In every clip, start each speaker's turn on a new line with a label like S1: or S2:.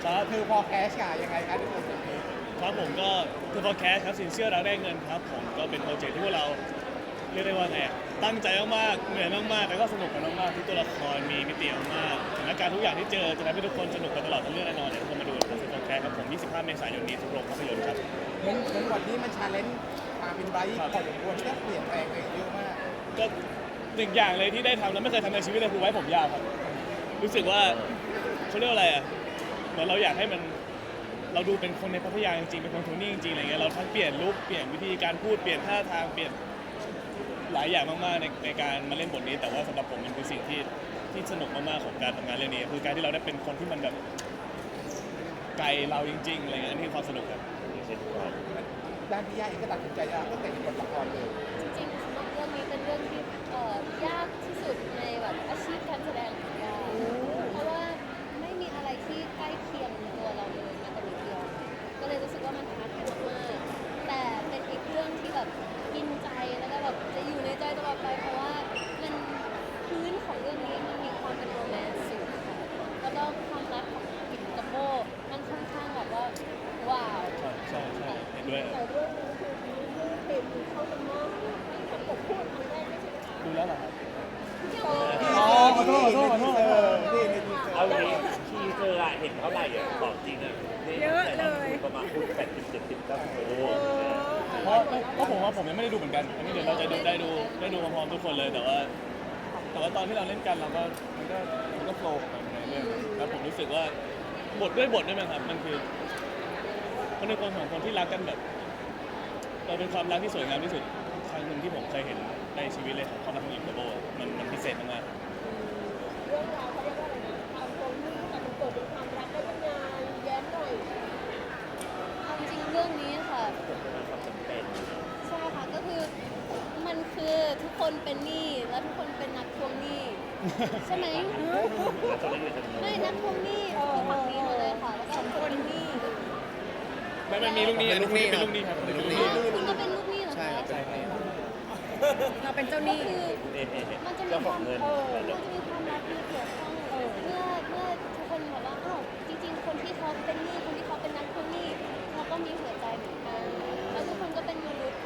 S1: ครับ
S2: คือพอแคชค่ะยังไงคะทุกคน
S1: ครับผมก็คือ Podcast ครับสินเชื่อรักได้เงินครับผมก็เป็นโปรเจกต์ที่พวกเราเรียกได้ว่าไงตั้งใจมากๆเหนื่อยมากๆแต่ก็สนุกกันมากๆที่ตัวละครมีมิติมากๆสถานการณ์ทุกอย่างที่เจอจะทำให้ทุกคนสนุกกันตลอดทั้งเรื่องแน่นอนเดี๋ยวทุกคนมาดูนะครับสิน Podcast ครับผม25 เมษายนนี้ทุกโรงภาพยนตร์ครับ
S2: เหมือนวันนี้มันชาเลนจ์ความเป็นไบรท์พอสมควรที่ต้องเปลี่ยนแปลงตัวเองเยอะมาก
S1: ก็หนึ่งอย่างเลยที่ได้ทำแล้วไม่เคยทำในชีวิตเลยคือไว้ผมยาวครับรู้สึกว่าเขาเรียกว่าอะไรอ่ะเหมือนเราอยากให้มันเราดูเป็นคนในพัทยาจริงๆเป็นคนโทนี่จริงๆอะไรเงี้ยเราทั้งเปลี่ยนลุคเปลี่ยนวิธีการพูดเปลี่ยนท่าทางเปลี่ยนหลายอย่างมากๆในการมาเล่นบทนี้แต่ว่าสำหรับผมมันคือสิ่งที่สนุกมากๆของการทำงานเรื่องนี้คือการที่เราได้เป็นคนที่มันแบบไกลเราจริงๆอะไรเงี้ยอันนี้คือความสนุกครับ
S2: ด้านพี่ย่าเองก็ตัดสินใจจะตั้งแต่บทละครเลย
S3: จริงๆสำหรับเรื่องนี้เป็นเรื่องที่ยากที่สุดในแบบอาชีพการแสดงของยาเพราะว่าไม่มีอะไรที่ใกล้เคียงตัวเราเลยแม้แต่นิดเดียวก็เลยรู้สึกว่ามันท้าทายมากๆแต่เป็นอีกเรื่องที่แบบกินใจแล้วก็แบบจะอยู่ในใจตลอดไปเพราะว่ามันพื้นของเรื่องนี้มันมีความเป็นโรแมนต์สูงค่ะแล้วก็ความรักของกิจกับโบมันค่อนข้างแบบว่าว้าว
S1: ใช่เห็นด้วย
S3: แต่เรื่องนี้คือมีเรื่องเพลงเข้ากันมากผมพูดครั้งแรกไม่ใช่ไหมคะ
S1: ดูแล้วเหรอครับ
S2: อ๋อขอโทษที่ในทีเซอ
S4: เอา
S2: ร์
S4: งี้ทีเซอร์อะเห็นเท่าไหร่อะของจริงอะเยอะเลยประมาณพูด80-70-90โอ้โห
S1: เพราะผมว่าผมยังไม่ได้ดูเหมือนกันอันนี้เดี๋ยวเราจะได้ดูพร้อมๆทุกคนเลยแต่ว่าตอนที่เราเล่นกันเราก็มันก็โฟล์ของมันในเรื่องแล้วผมรู้สึกว่าบทด้วยมั้งครับมันคือคนในคนของคนที่รักกันแบบเราเป็นความรักที่สวยงามที่สุดครั้งหนึ่งที่ผมเคยเห็นในชีวิตเลยของความรักของหญิงกับโบมันพิเศษมาก
S3: เรื่องราวเขาเรียกว่าอะไรนะความโรแมนต์แต่มันเกิดเป็นความรักได้ยังไงแย้มหน่อยเอาจริงๆเรื่องนี้ค่ะ
S4: ความจำเป็น
S3: ใช่ค่ะก็คือมันคือทุกคนเป็นหนี้และทุกคนเป็นนักทวงหนี้ใช่ไหม
S4: เราจะได้อยู่ตรงนี้
S3: ไม่นักทวงหนี้คือฝั่งนี้หมดเลยค่ะแล้วก็คนเป็นหนี้
S1: ๆไม่มีลูกหนี้เป็นลูกหนี้ครับเป็นลูกหนี้
S3: คุณก็เป็นลูกหนี้เหรอคะ
S1: ใช่ครับ
S5: เราเป็นเจ้าหนี้
S3: ก็คือ
S4: เอ๊ะ
S3: มันจะมี
S4: เจ้า
S3: ค
S4: ขอ
S3: วาง ม
S4: เงิน
S3: มันจะมีความรักที่เกี่ยวข้องเมื่อทุกคนบอกว่าอ้าวจริงๆ คนที่เขาเป็นหนี้คนที่เขาเป็นนักทวงหนี้เขาก็มีหัวใจเหมือนกันแล้วทุกคนก็เป็นมนุษย์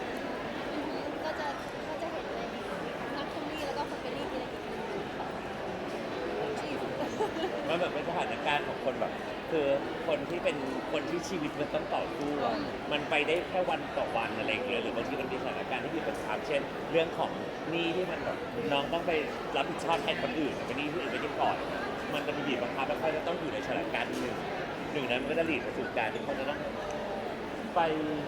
S3: ก็จะเห็นในนักทวงหนี้แล้วก็คนเป็นหนี้ทีละนิดชีวิต
S4: มันแบบเป็นสถานการณ์ของคนแบบ คือคนที่เป็นคนที่ชีวิตมันต้องต่อสู้อะมันไปได้แค่วันต่อวันอะไรอย่างเงี้ยหรือบางทีมันมีสถานการณ์ที่มีปัญหาเช่น เรื่องของหนี้ที่มันแบบน้องต้องไปรับผิดชอบแทนคนอื่นเป็นหนี้ที่อื่นไม่ได้ก่อน มันจะมีบีบบังคับแล้วเขาจะต้องอยู่ในสถานการณ์หนึ่งนั้นมันก็จะหลีดไปสู่การที่เขาจะต้องไป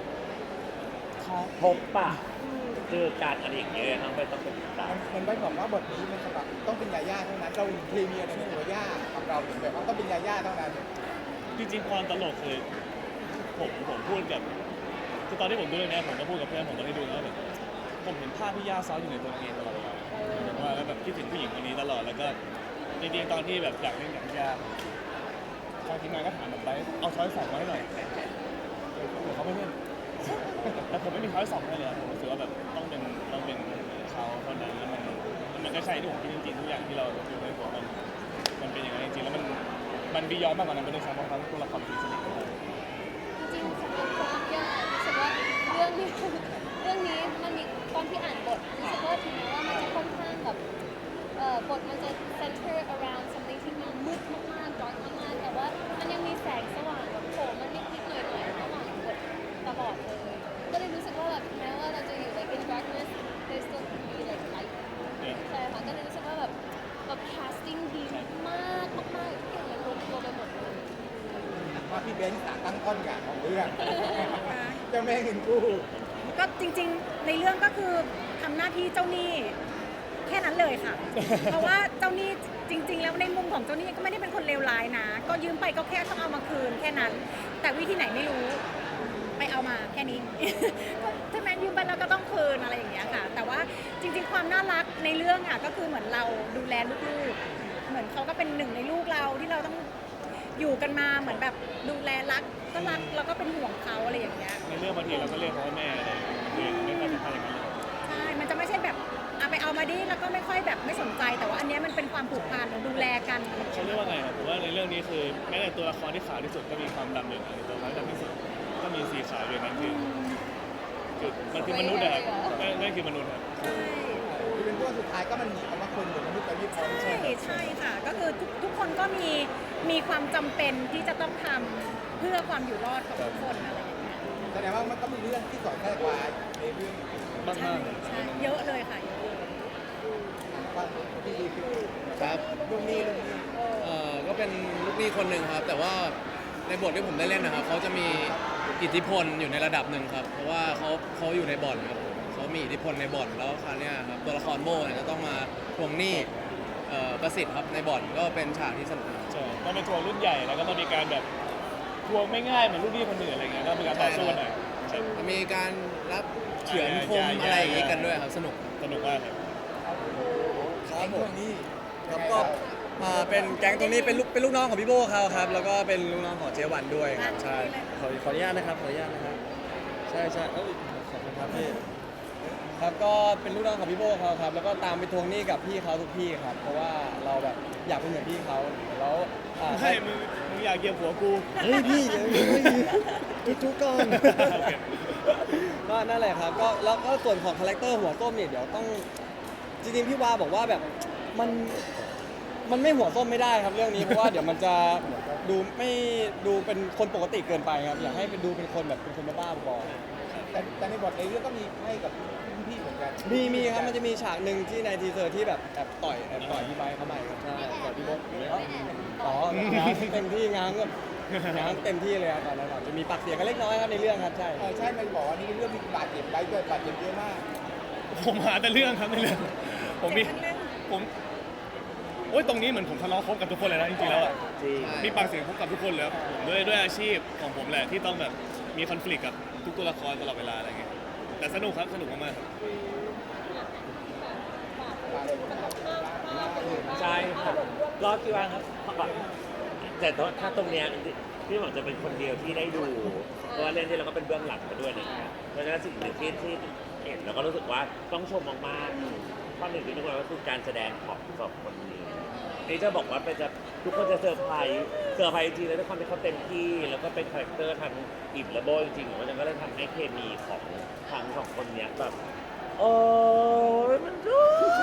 S4: พบปะเจอการอะไรอย่างเงี้ยน้องไปต้องไปติดตาม
S2: มันได้บอกว่าบทนี้มันสำหรับต้องเป็นยาย่าเท่านั้นเราพรีเมียร์ในตัวย่ากับเราถึงแบบว่าต้องเป็นยาย่าเท่านั้น
S1: จริงๆความตลกคือผมพูดกับคือตอนที่ผมดูเรื่องนี้ผมก็พูดกับเพื่อนผมตอนที่ดูแล้วแบบผมเห็นภาพพี่ย่าซ้อนอยู่ในตัวเองตลอดเวลาว่าแล้วแบบคิดถึงผู้หญิงคนนี้ตลอดแล้วก็จริงๆตอนที่แบบอยากเล่นกับพี่ย่าทางทีมงานก็ถามผมไปเอาช้อยสองมาให้หน่อยเดี๋ยวเขาไม่เล่นแต่ผมไม่มีช้อยสองให้เลยผมรู้สึกว่าแบบต้องเป็นเขาเท่านั้นแล้วมันก็ใช่ที่ผมคิดจริงๆทุกอย่างที่เราดูในหัวมันเป็นอย่างนั้นจริงๆแล้วมันบียอนมากกว่านั้นเป็นในชั้นของเขาตัวละครที่สนิทกัน
S3: จริงๆสำหรับตัวย่ารู้สึกว่าเรื่องนี้มันมีตอนที่อ่านบทรู้สึกว่าถึงแม้ว่ามันจะค่อนข้างแบบบทมันจะ center around something ที่มันมืดมากๆ dark มากๆแต่ว่ามันยังมีแสงสว่างแบบโผล่มานิดๆหน่อยๆระหว่างบทตลอดเลยก็เลยรู้สึกว่าแบบแม้ว่าเราจะอยู่ like in darkness there still can be like light ใช่ค่ะก็เลยรู้สึกว่าแบบcasting ดีมากๆทุกอย่างมันลงตัวไปหมดเลย
S2: ว่าพี่เบนซ์ตั้งต้นอย่างของเรื่องเจ้าแม่เงินกู้
S5: ก็จริงๆในเรื่องก็คือทำหน้าที่เจ้าหนี้แค่นั้นเลยค่ะ เพราะว่าเจ้าหนี้จริง ๆ แล้วในมุมของเจ้าหนี้ก็ไม่ได้เป็นคนเลวร้ายนะ ก็ยืมไปก็แค่ต้องเอามาคืนแค่นั้น แต่วิธีไหนไม่รู้ไปเอามาแค่นี้ ใช่ไหมยืมไปแล้วก็ต้องคืนอะไรอย่างเงี้ยค่ะ แต่ว่าจริงๆความน่ารักในเรื่องอ่ะก็คือเหมือนเราดูแลลูกๆเหมือนเขาก็เป็นหนึ่งในลูกเราที่เราต้องอยู่กันมาเหมือนแบบดูแลรักก็รักแล้วก็เป็นห่วงเขาอะไรอย่างเงี้ย
S1: ในเรื่องบางทีเราก็เรียกเขาว่าแม่อะไรไม่ค่อยสัมพันธ์อย่างนั้นเลย
S5: ใช่ มันจะไม่ใช่แบบเอาไปเอามาดิแล้วก็ไม่ค่อยแบบไม่สนใจ แต่ว่าอันเนี้ยมันเป็นความผูกพันดูแลกัน
S1: เขาเรียกว่าไงครับผมว่าในเรื่องรื่องนี้คือแม้แต่ตัวละครที่ขาวที่สุดก็มีความดำอยู่ในตัวละครที่ดำที่สุดก็มีสีขาวอยู่ในนั้นคือมันคือมนุษย์นะครับนั่นคือมนุษย์ครับ
S2: ที่เป็นตัวสุดท้ายก็มันมีคำว่าคนหรือมนุษย์แต่ไม่พร้อม
S5: ใช่ใช่ค่ะ ก็คือทุกคนก็มีความจำเป็นที่จะต้องทำเพื่อความอยู่รอดของทุกคนอะไรอย่างเงี้ย
S2: แสดงว่ามันก็มีเรื่องที่สอนแทรกไว้ในเรื่อง
S1: มาก
S5: ใช่
S1: ๆเลย
S5: ใช่เยอะเลยค่ะเยอะเลย
S2: ความที่ดีคือ
S6: ครับ
S2: เรื่องนี้
S6: ก็เป็นลูกหนี้คนหนึ่งครับ แต่ว่าในบทที่ผมได้เล่นนะครับเขาจะมีอิทธิพลอยู่ในระดับหนึ่งครับ เพราะว่าเขาอยู่ในบ่อนครับผมเขามีอิทธิพลในบ่อนแล้วคราวเนี้ยครับตัวละครโบเนี่ยก็ต้องมาทวงหนี้ประสิทธิ์ครับในบ่อนก็เป็นฉากที่สนุกครับ
S1: ใช่ต้องเป็นทัวร์รุ่นใหญ่แล้วก็ต้องมีการแบบทัวร์ไม่ง่ายเหมือนรุ่นพี่คนอื่นอะไรเงี้ยก็มีการต่อสู้กันหน่อยใช่
S6: จะมีการรับเฉือนคมอะไรอย่างงี้กันด้วยครับสนุก
S1: สนุกมากครับ
S2: ครับผมนี่
S6: ครับก็เป็นแก๊งตรงนี้เป็นลูกน้องของพี่โบเขาครับแล้วก็เป็นลูกน้องของเจวันด้วยครับใช่
S7: ขออนุญาตนะครับขออนุญาตนะครับใช่ใช่เอ้ยขอบคุณครับพี่
S6: ครับก็เป็นลูกน้องของพี่โบเขาครับแล้วก็ตามไปทวงหนี้กับพี่เขาทุกที่ครับเพราะว่าเราแบบอยากเป็นเหมือนพี่เขาแล้ว
S1: ใช่มึงอยากเหยียบหัวกู
S7: เฮ้ยพี่เดี๋ยวจุ๊ก่อน
S1: โอเค
S7: ก็นั่นแหละครับก็แล้วก็ส่วนของคาแรคเตอร์หัวส้มเนี่ยเดี๋ยวต้องจริงๆพี่วาบอกว่าแบบมันไม่หัวส้มไม่ได้ครับเรื่องนี้เพราะว่าเดี๋ยวมันจะดูเป็นคนปกติเกินไปครับอยากให้เป็นดูเป็นคนแบบเป็นคนบ้าๆบอๆ
S2: แต่ในบทในเรื่องก็มีให้กับพี่เหมือนกัน
S7: มีครับมันจะมีฉากหนึ่งที่ในทีเซอร์ที่แบบแอบต่อยพี่ไบค์เข้ามาครับใช่ต่อยพี่บดอ๋อง้างเต็มที่ง้างเต็มที่เลยครับตอนนั้นจะมีปากเสียงกันเล็กน้อยครับในเรื่องครับใช่
S2: ใช่มันบอกว่านี่เรื่องมีบาดเจ็บได้ด้วยบาดเจ็บเยอะมาก
S1: ผมหาแต่เรื่องครับในเรื่องผมมีผมโอ้ยตรงนี้เหมือนผมทะเลาะคบกับทุกคนเลยนะจริงๆแล้วอะ
S4: จริง
S1: มีปากเสียงคบกับทุกคนเลยครับผมด้วยอาชีพของผมแหละที่ต้องแบบมีคอน FLICT กับทุกตัวละครตลอดเวลาอะไรเงี้ยแต่สนุกครับสนุกมากๆครับ
S4: ใช่ครับก็คิดว่าแต่ถ้าตรงเนี้ยพี่หวังจะเป็นคนเดียวที่ได้ดูเพราะว่าเล่นที่เราก็เป็นเบื้องหลังมาด้วยนะครับเพราะฉะนั้นสิ่งหนึ่งที่เห็นเราก็รู้สึกว่าต้องชมมากๆข้อหนึ่งที่ทุกคนก็คือการแสดงของสองคนนี้นี่จะบอกว่าทุกคนจะเซอร์ไพรส์จริงๆแล้วด้วยความที่เขาเต็มที่แล้วก็เป็นคาแรคเตอร์ทั้งอิบและโบจริงๆเพราะฉะนั้นก็เลยทำให้เคมีของทั้งสองคนเนี้ยแบบโอ้ยมันดู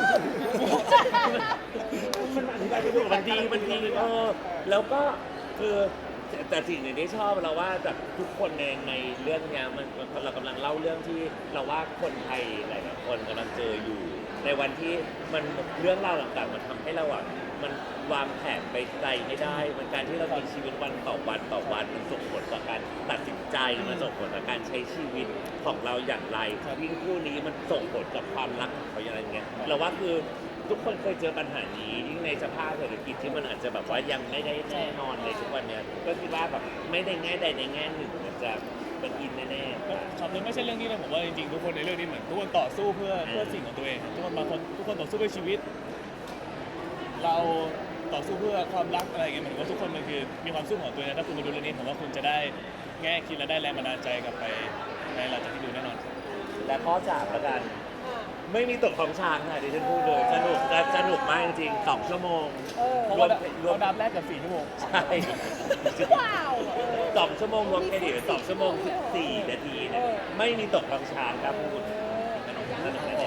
S4: มันอธิบายไม่ถูกมันดีแล้วก็คือแต่สิ่งหนึ่งที่ชอบเราว่าแบบทุกคนในเรื่องเนี้ยมันเรากำลังเล่าเรื่องที่เราว่าคนไทยหลายๆคนกำลังเจออยู่ ในวันที่มันเรื่องราวต่างๆมันทำให้เราอ่ะมันวางแผนไปไกลไม่ได้มันการที่เรามีชีวิตวันต่อวันมันส่งผลต่อการตัดสินใจมันส่งผลต่อการใช้ชีวิตของเราอย่างไรยิ่งคู่นี้มันส่งผลกับความรักของเขาอย่างไรเงี้ยเราว่าคือทุกคนเคยเจอปัญหานี้ยิ่งในสภาพเศรษฐกิจที่มันอาจจะแบบว่ายังไม่ได้แน่นอนในทุกวันเนี้ยก็คิดว่าแบบไม่ได้แง่ใดในแง่หนึ่งมันจะเป็นอินแน่ๆ
S1: ครับไม่ใช่เรื่องนี้นะผมว่าจริงๆทุกคนในเรื่องนี้เหมือนทุกคนต่อสู้เพื่อสิ่งของตัวเองทุกคนต่อสู้เพื่อชีวิต เราต่อสู้เพื่อความรักอะไรอย่างเงี้ยเหมือนว่าทุกคนมันคือมีความสู้ของตัวเองนะถ้าคุณมาดูเรื่องนี้ผมว่าคุณจะได้แง่คิดและได้แรงบันดาลใจกลับไปในหลังจากที่ดูแน่นอนครับ
S4: และข้อ3แล้วกัน ไม่มีตกของช้างค่ะดิฉันพูดเลยสนุกมากจริงๆ2 ชั่วโมง
S1: เพราะว่าเราดับแรกกับ4 ชั่วโมง
S4: ใช่2 ชั่วโมงรวมเครดิต2 ชั่วโมง14 นาทีเนี่ยไม่มีตกของช้างครับคุณสนุกแน่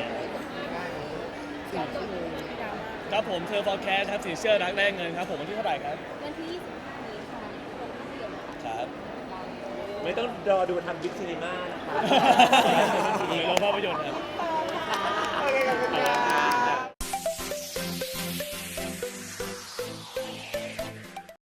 S1: ครับผมเธอ forecast ครับสินเชื่อรักได้เงินครับผมวันที่เท่าไหร่ครับ
S3: วันที่ 25 นี้ค่ะลงภาพยนตร์ค่ะ
S1: ครับ
S4: ๆไม่ต้องรอดูทำบิ๊กซีนีมานะคะ
S1: หรือโรงภาพยนตร์ครับ